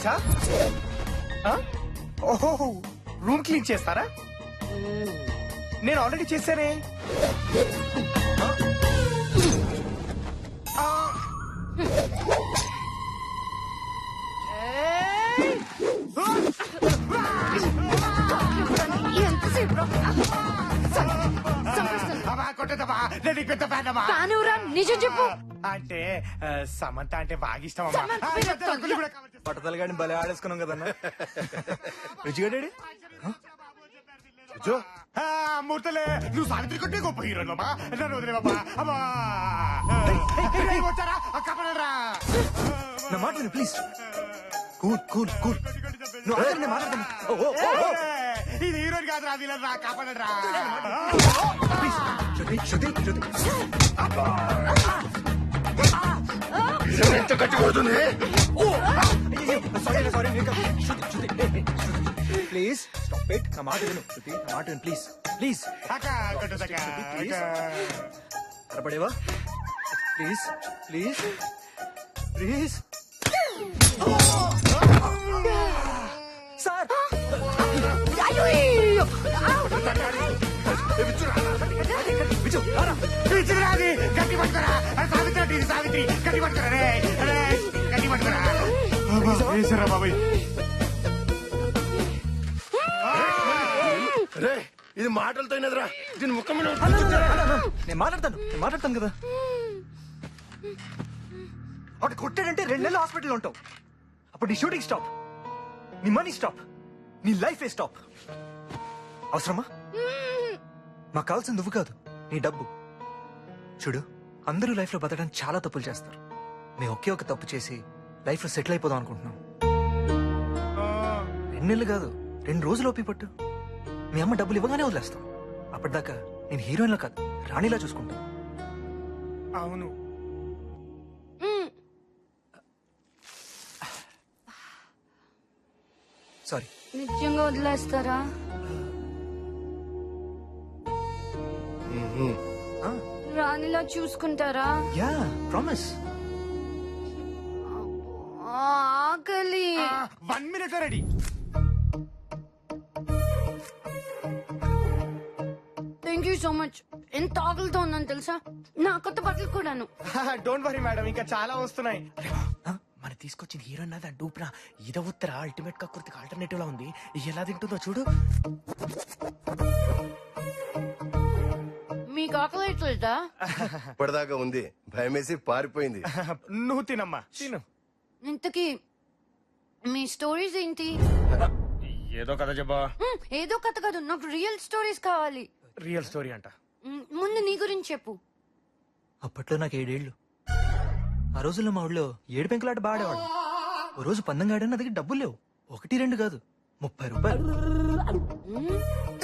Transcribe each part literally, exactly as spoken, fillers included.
సర్వీసా? ఓహో, room clean చేస్తారా? నేను ఆల్రెడీ చేశానే. నిజం చెప్పు. అంటే సమంత అంటే బాగా ఇష్టం. పట్టతలు గాని భలే ఆడేసుకున్నాం కదన్నా. రుచిగడ్డాడు మూర్తలే, నువ్వు సావిత్రి కొట్టే గొప్ప హీరో బాబా. నన్ను వదిలే బాబా. అబ్బా వచ్చారా? కపడరా నా మాట విను ప్లీజ్. Cool cool cool. నువ్వు ఆగండి, మాట్లాడతాను. ఇది హీరోని కాదు రా, విలన్ రా. కాపాడరా శృతి శృతి శృతి. ఎంత గట్టి కొడుతుంది. Sorry sorry please stop it. నా మాట విను శృతి, నా మాట విను ప్లీజ్ ప్లీజ్. అరపడేవా ప్లీజ్ ప్లీజ్ ప్లీజ్. సార్ గట్టి పట్టుకోరా సావిత్రి. సావిత్రి గట్టి పట్టుకోరా రే, గట్టి పట్టుకోరా బాబాయ్. రే ఇది మాటలతో అయినదిరా, దీని ముఖం మీద నేను మాట్లాడతాను నేను మాట్లాడతాను కదా. అటు కొట్టాడంటే రెండు నెలలు హాస్పిటల్లో ఉంటావు. అప్పుడు నీ షూటింగ్ స్టాప్, నీ మనీ స్టాప్, నీ లైఫ్ ఏ స్టాప్. అవసరమా? మాకు కావాల్సింది నువ్వు కాదు, నీ డబ్బు. చూడు, అందరూ లైఫ్ లో బతకడానికి చాలా తప్పులు చేస్తారు. మేము ఒకే ఒక తప్పు చేసి లైఫ్ లో సెటిల్ అయిపోదాం అనుకుంటున్నాం. రెండు నెలలు కాదు, రెండు రోజులు ఓపి పట్టు. మీ అమ్మ డబ్బులు ఇవ్వగానే వదిలేస్తాం. అప్పటిదాకా నేను హీరోయిన్లో కాదు, రాణిలా చూసుకుంటాను. అవును. సారీ. నిజంగా వదిలేస్తారా? రాణిలా చూసుకుంటారా? Yeah promise. ఆకలి. One minute ready. Thank you so much. ఎంత ఆకలితో ఉన్నాను తెలుసా? నా కొత్త బట్టలు కూడాను. డోంట్ వరీ మేడం, ఇంకా చాలా వస్తున్నాయి. మన తీసుకొచ్చిన హీరోయిన్ అది డూప్రా. ఇద ఉత్తర అల్టిమేట్ కక్కుర్తికి ఆల్టర్నేటివ్ లా ఉంది. ఎలా తింటుందో చూడు. మీకు ఆకలి అవుతుందా? ఇప్పటిదాకా ఉంది, భయమేసి పారిపోయింది. నువ్వు తినమ్మా, తిను. ఇంతకీ మీ స్టోరీస్ ఏంటి? ఏదో కథ చెప్పా. మ్, ఏదో కథ కాదు, నాకు రియల్ స్టోరీస్ కావాలి. రియల్ స్టోరీ అంట. మ్, ముందు నీ గురించి చెప్పు. అప్పట్లో నాకు ఏడేళ్లు. ఆ రోజుల్లో మా ఊళ్ళో ఏడు పెంకులాట బాడేవాడు. ఓ రోజు పందెం గాడని నా దగ్గర డబ్బులు లేవు. ఒకటి రెండు కాదు, ముప్పై రూపాయలు. Hmm,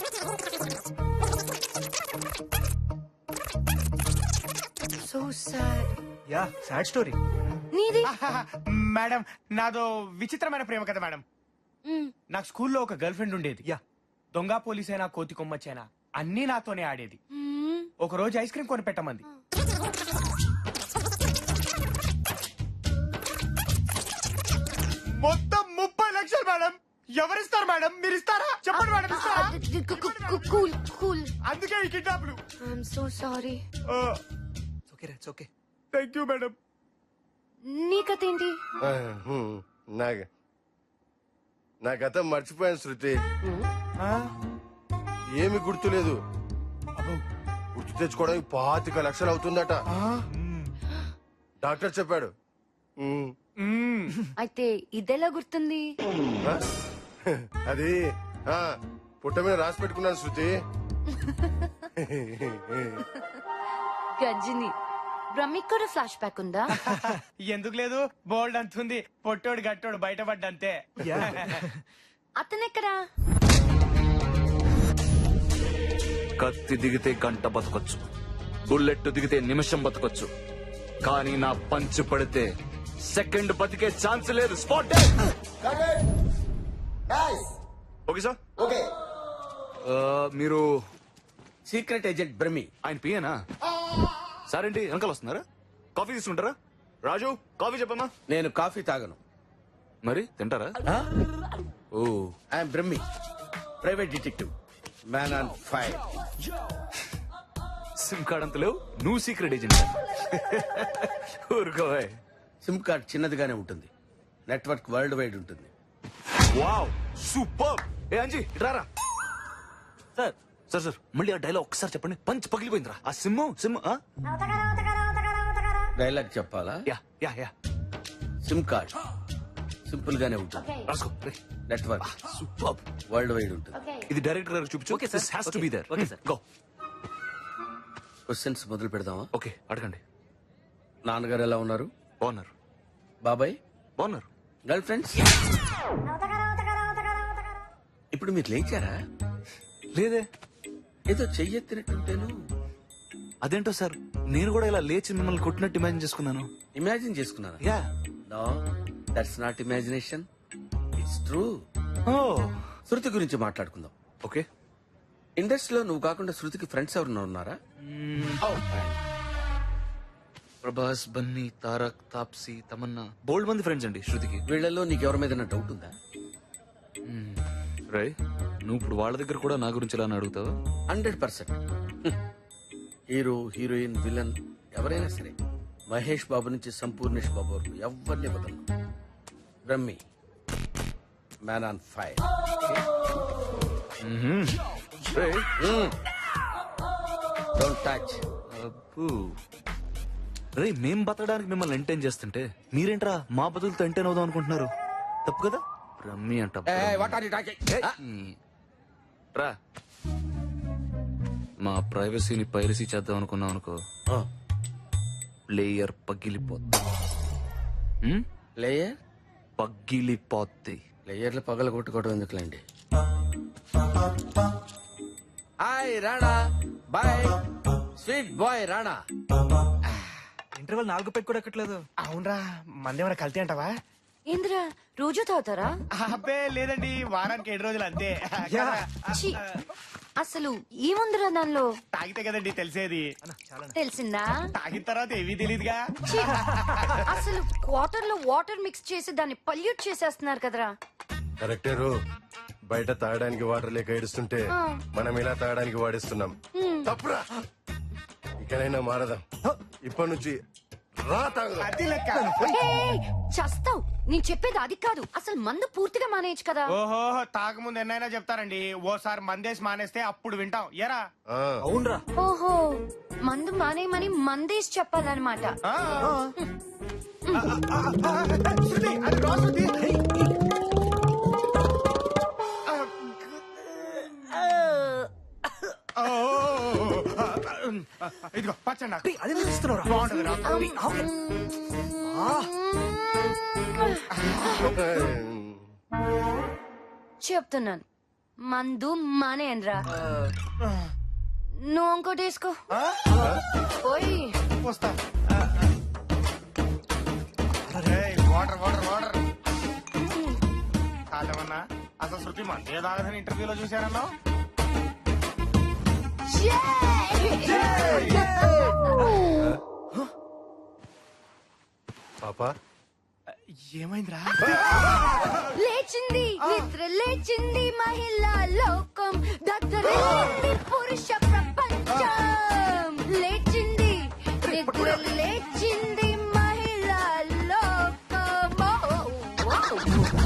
so sad. Yeah sad story. నీది? మేడం, నాదో విచిత్రమైన ప్రేమ కథ మేడం. మ్, నాకు స్కూల్లో ఒక గర్ల్ ఫ్రెండ్ ఉండేది. యా. దొంగ పోలీస్ అయినా కోతి కొమ్మచ్చైనా అన్నీ నాతోనే ఆడేది. మ్, ఒక రోజు ఐస్ క్రీమ్ కొని పెట్టమంది. మొత్తం ముప్పై లక్షలు మేడం. ఎవరిస్తారు మేడం? మీరు ఇస్తారా? చెప్పండి మేడం, ఇస్తారా? Cool cool. అందుకే ఈ కిడ్నాప్లు. I'm so sorry. ఓకే రే, ఓకే. Thank you madam. నీ కథ ఏంటి? ఆ, హ్మ్, నా నా గతం మర్చిపోయాను శృతి. ఏమి గుర్తులేదు. గుర్తు తెచ్చుకోవడానికి పాతిక లక్షలు అవుతుందట. డాక్టర్ చెప్పాడు. ఉమ్. అయితే ఇదెలా గుర్తుంది? ఆ? అది ఆ, పుట్ట మీద రాసి పెట్టుకున్నాను శృతి. గజ్జిని. బ్రహ్మిక్ కూడా ఫ్లాష్ బ్యాక్ ఉందా? ఎందుకు లేదు, బోల్డ్ అంతుంది. పొట్టోడు గట్టోడు బయటపడ్డంతే. యా. అతనెక్కడా? కత్తి దిగితే గంట బతకొచ్చు, బుల్లెట్ దిగితే నిమిషం బతకొచ్చు, కానీ నా పంచు పడితే సెకండ్ బతికే ఛాన్స్ లేదు. స్పాట్. Okay sir. ఓకే. మీరు సీక్రెట్ ఏజెంట్ బ్రహ్మి. ఆయన పియేనా? సార్ ఏంటి వెనకాల వస్తున్నారా? కాఫీ తీసుకుంటారా? రాజు కాఫీ చెప్పమ్మా. నేను కాఫీ తాగను. మరి తింటారా oh I'm Brahmi private detective man on fire. SIM card అంత లేవు నువ్వు సీక్రెట్ ఏజెంట్ ఊరుకోవే సిమ్ కార్డ్ చిన్నదిగానే ఉంటుంది, నెట్వర్క్ వరల్డ్ వైడ్ ఉంటుంది. Wow super. ఏ అంజీ ఇట్రారా. సార్ సార్ సార్ మళ్ళీ ఆ డైలాగ్ ఒకసారి చెప్పండి. పంచ్ పగిలిపోయిందిరా ఆ సిమ్ సిమ్ ఆ? డైలాగ్ చెప్పాలా? Yeah yeah yeah SIM card simple గానే ఉంటుంది, రాసుకో రే. Network super. వరల్డ్ వైడ్ ఉంటుంది. ఇది డైరెక్టర్ గారికి చూపించు. Okay, sir. This has to Okay. Be there. Okay, sir. Go. Questions మొదలు పెడదామా? ఓకే అడగండి. నాన్నగారు ఎలా ఉన్నారు? బాగున్నారు బాబాయ్, బాగున్నారు. Girlfriends? ఇప్పుడు మీరు లేచారా? లేదే. ఏదో చెయ్యెత్తినట్టుంటేను. అదేంటో సార్ నేను కూడా ఇలా లేచి మిమ్మల్ని కొట్టినట్టు ఇమాజిన్ చేసుకున్నాను. ఇమాజిన్ చేసుకున్నారా? Yeah no, that's not imagination, it's true. ఓ శృతి గురించి మాట్లాడుకుందాం. ఓకే. ఇండస్ట్రీలో నువ్వు కాకుండా శృతికి ఫ్రెండ్స్ ఎవరన్నా ఉన్నారా? Oh, fine. ప్రభాస్, బన్నీ, తారక్, తాప్సీ, తమన్నా బోల్డ్ మంది ఫ్రెండ్స్ అండి శృతికి. వీళ్ళలో నీకు ఎవరి మీద డౌట్ ఉందా? రై నువ్వు ఇప్పుడు వాళ్ళ దగ్గర కూడా నా గురించి ఇలా అడుగుతావా? Hundred percent. Hero, heroine, villain ఎవరైనా సరే మహేష్ బాబు నుంచి సంపూర్ణేష్ బాబు వరకు ఎవరిని వదలను. Brahmi man on fire. రేయ్, డోంట్ టచ్. అబ్బో. రేయ్ మేం బతకడానికి మిమ్మల్ని ఎంటైన్ చేస్తుంటే మీరేంట్రా మా బతులతో ఎంటైన్ అవుదాం అనుకుంటున్నారు? తప్పు కదా. రమ్మి అంట వాట్ ఆర్ యు టాకింగ్? రా. మా ప్రైవసీని పైరసీ చేద్దాం అనుకున్నాం అనుకో, ప్లేయర్ పగిలిపోద్ది. హ్మ్? ప్లేయర్ పగిలిపోద్ది. ప్లేయర్లు పగల కొట్టుకోవడం ఎందుకులేండి. Hi Rana, boy sweet boy Rana. Interval నాలుగు పెట్టి కూడా ఎక్కట్లేదు. అవునరా మందేమైనా కల్తీ అంటావా? ఏంద్రా రోజు తాగుతారా? అబ్బే లేదండి, వారానికి ఏడు రోజులు అంతే. ఛీ, అసలు ఏముందిరా దానిలో? తాగితే కదండి తెలిసేది. తెలిసిందా? తాగిన తర్వాత ఏమీ తెలియదుగా. ఛీ, అసలు వాటర్ లో వాటర్ మిక్స్ చేసి దాన్ని పల్యూట్ చేసేస్తున్నారు కదరా. కరెక్టేరు. బయట తాగడానికి వాటర్ లేక ఏడుస్తుంటే మనం ఇలా తాగడానికి వాడిస్తున్నాం. తప్పురా. ఇకనైనా మారదాం. ఇప్పటి నుంచి రా తాగుదాం. అది లెక్క. ఏయ్, చస్తావ్. నేను చెప్పేది అది కాదు, అసలు మందు పూర్తిగా మానేయచ్చు కదా. ఓహో, తాగముందు ఎన్నైనా చెప్తారండి, ఓసారి మందేసి మానేస్తే అప్పుడు వింటాం. ఎరా ఆ, అవునరా. ఓహో, మందు మానేయమని మందేసి చెప్పాలన్నమాట. ఆ. శృతి, అది రా శృతి. ఓ, ఇదిగో పచ్చండి నాకు. అదే ఇస్తున్నారా? బాగుంటుందిరా. చెప్తున్నాను, మందు మానేయనరా. నువ్వు ఇంకోటి వేసుకో. ఓయ్ వస్తా. ఏయ్, వాటర్ వాటర్ వాటర్. కాదమన్నా అసలు శృతి మందే తాగదని ఇంటర్వ్యూలో చూశారన్నా. పాపా ఏమైందిరా? లేచింది నిద్ర లేచింది మహిళా లోకం, దద్దరిల్లింది పురుష ప్రపంచం. లేచింది నిద్ర లేచింది మహిళా లోకం.